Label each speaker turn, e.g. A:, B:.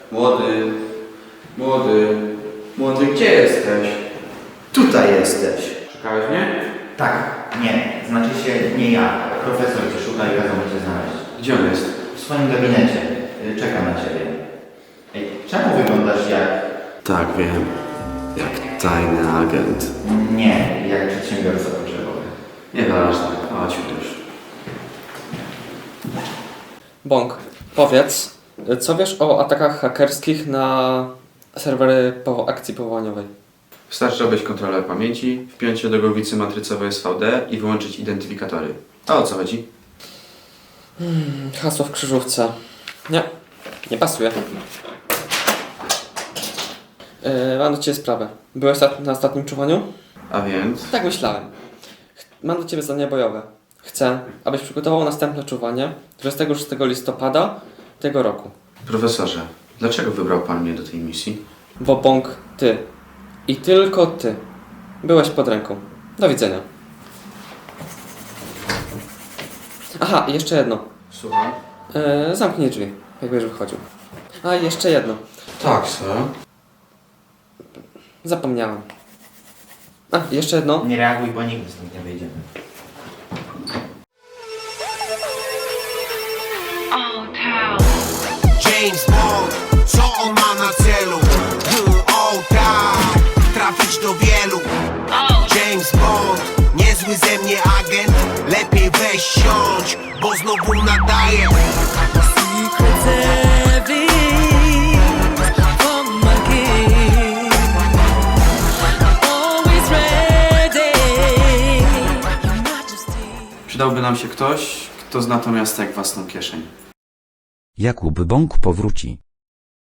A: Młody, młody, młody, gdzie jesteś?
B: Tutaj jesteś.
A: Szukałeś mnie?
B: Tak, nie. Znaczy się nie ja. Profesor cię szuka i kazał mi cię znaleźć.
A: Gdzie on jest?
B: W swoim gabinecie. Czekam na ciebie. Ej, czemu wyglądasz jak...
A: Tak, wiem. Jak tajny agent.
B: Nie, jak przedsiębiorca potrzebowy.
A: Nieważne, chodźmy już.
C: Bąk, powiedz, co wiesz o atakach hakerskich na serwery po akcji powołaniowej?
A: Wystarczy robić kontrolę pamięci, wpiąć się do głowicy matrycowej SVD i wyłączyć identyfikatory. A o co chodzi?
C: Hasło w krzyżówce. Nie, nie pasuje. Mam do Ciebie sprawę. Byłeś na ostatnim czuwaniu?
A: A więc?
C: Tak myślałem. Mam do Ciebie zadanie bojowe. Chcę, abyś przygotował następne czuwanie 26 listopada tego roku.
A: Profesorze, dlaczego wybrał pan mnie do tej misji?
C: Bo Bąk, Ty i tylko Ty byłeś pod ręką. Do widzenia. Aha, i jeszcze jedno.
A: Słucham?
C: Zamknij drzwi, jak będziesz wychodził. A, i jeszcze jedno.
A: Tak, sir.
C: Zapomniałem. A, jeszcze jedno.
B: Nie reaguj, bo nigdy stąd nie wyjdziemy.
D: James Bond, co on ma na celu? O tak, trafić do wielu. James Bond, niezły ze mnie agent. Lepiej weź siądź, bo znowu nadaję.
E: Secrets heavy from my king. Always ready, Your Majesty.
A: Przydałby nam się ktoś, kto zna to miasto jak własną kieszeń.
F: Jakub Bąk powróci.